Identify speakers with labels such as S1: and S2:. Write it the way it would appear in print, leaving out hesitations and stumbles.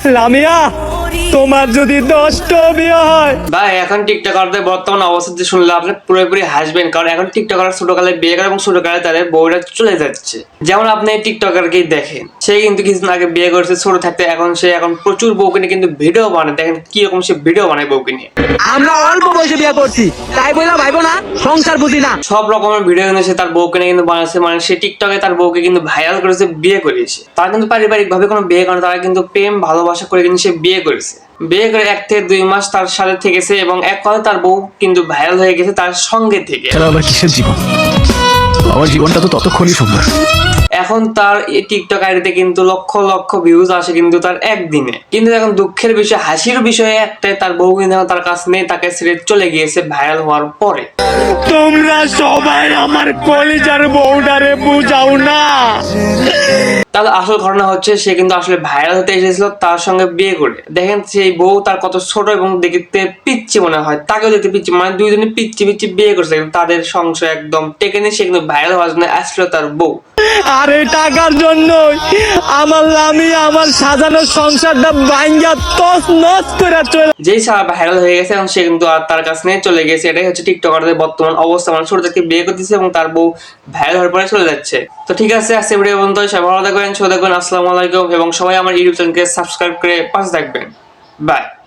S1: লামিয়া, তোমার যদি 10টা বিয়ে হয়।
S2: ভাই এখন টিকটকারদের বর্তমান অবস্থা শুনলে আপনি পুরোপুরি হাসবেন, কারণ এখন টিকটকার ছোটকালে বিয়ে করে এবং ছোটকালে তাদের বউরা চলে যাচ্ছে। যেমন আপনি টিকটকারকেই দেখেন, সে কিন্তু কিছুদিন আগে বিয়ে করেছে ছোট থাকতে, এখন সে প্রচুর বউকে নিয়ে কিন্তু ভিডিও বানায়। দেখেন কি রকম সে ভিডিও বানায় বউকে নিয়ে।
S1: আমরা অল্প বয়সে বিয়ে করছি, তাই বললাম ভাইবো না, সংসার বুঝি না।
S2: সব রকমের ভিডিও কিন্তু সে তার বউকে নিয়ে কিন্তু বানাচ্ছে, মানে সে টিকটকে তার বউকে কিন্তু ভাইরাল করেছে বিয়ে করেছে। তারা কিন্তু পারিবারিক ভাবে কোনো বিয়ে করে, তারা কিন্তু প্রেম ভালোবাসা করে কিন্তু সে বিয়ে করেছে। বিয়ে করে 1 থেকে 2 মাস তার সাথে থেকেছে এবং এক কথায় তার বউ কিন্তু ভাইরাল হয়ে গেছে তার সঙ্গে থেকে।
S3: আবার কিসের জীবন? আমার জীবনটা তো ততক্ষণই সুন্দর।
S2: এখন তার এই টিকটক আইডিতে কিন্তু লক্ষ লক্ষ ভিউজ আসে কিন্তু তার একদিনে। কিন্তু এখন দুঃখের বিষয়, হাসির বিষয় একটাই, তার বউ কিন্তু তার কাছে নেই, তাকে ছেড়ে চলে গিয়েছে ভাইরাল হওয়ার পরে।
S1: তোমরা সবাই আমার কলিজার বউটারে বুঝাও না।
S2: তাহলে আসল ঘটনা হচ্ছে, সে কিন্তু আসলে ভাইরাল হতে এসেছিল তার সঙ্গে বিয়ে করে। দেখেন সেই বউ তার কত ছোট এবং দেখতে পিচ্ছি মনে হয়, তাকেও দেখতে পিচ্ছি, মানে দুইজনে পিচ্ছি পিচ্ছি বিয়ে করছে। কিন্তু তাদের সংসার একদম টেকে নিয়ে সে কিন্তু ভাইরাল হওয়ার জন্য আসলো তার বউ।
S1: আর এই টাকার জন্যই আমার লামিয়া আমার সাজানো সংসারটা ভাঙ্গা তছ নছ করে চলে।
S2: যেই সারা ভাইরাল হয়ে গেছে এবং সে কিন্তু আর তার কাছে নিয়ে চলে গেছে। এটাই হচ্ছে টিকটকারদের বর্তমান অবস্থা, মানে ছোট থেকে বিয়ে করতেছে এবং তার বউ ভাইরাল হওয়ার পরে চলে যাচ্ছে। তো ঠিক আছে, আজকে ভিডিও পর্যন্ত। সবাই ভালো থাকবেন, সুস্থ থাকবেন, আসসালামু আলাইকুম, এবং সবাই আমার ইউটিউব চ্যানেলকে সাবস্ক্রাইব করে পাশে থাকবেন। বাই।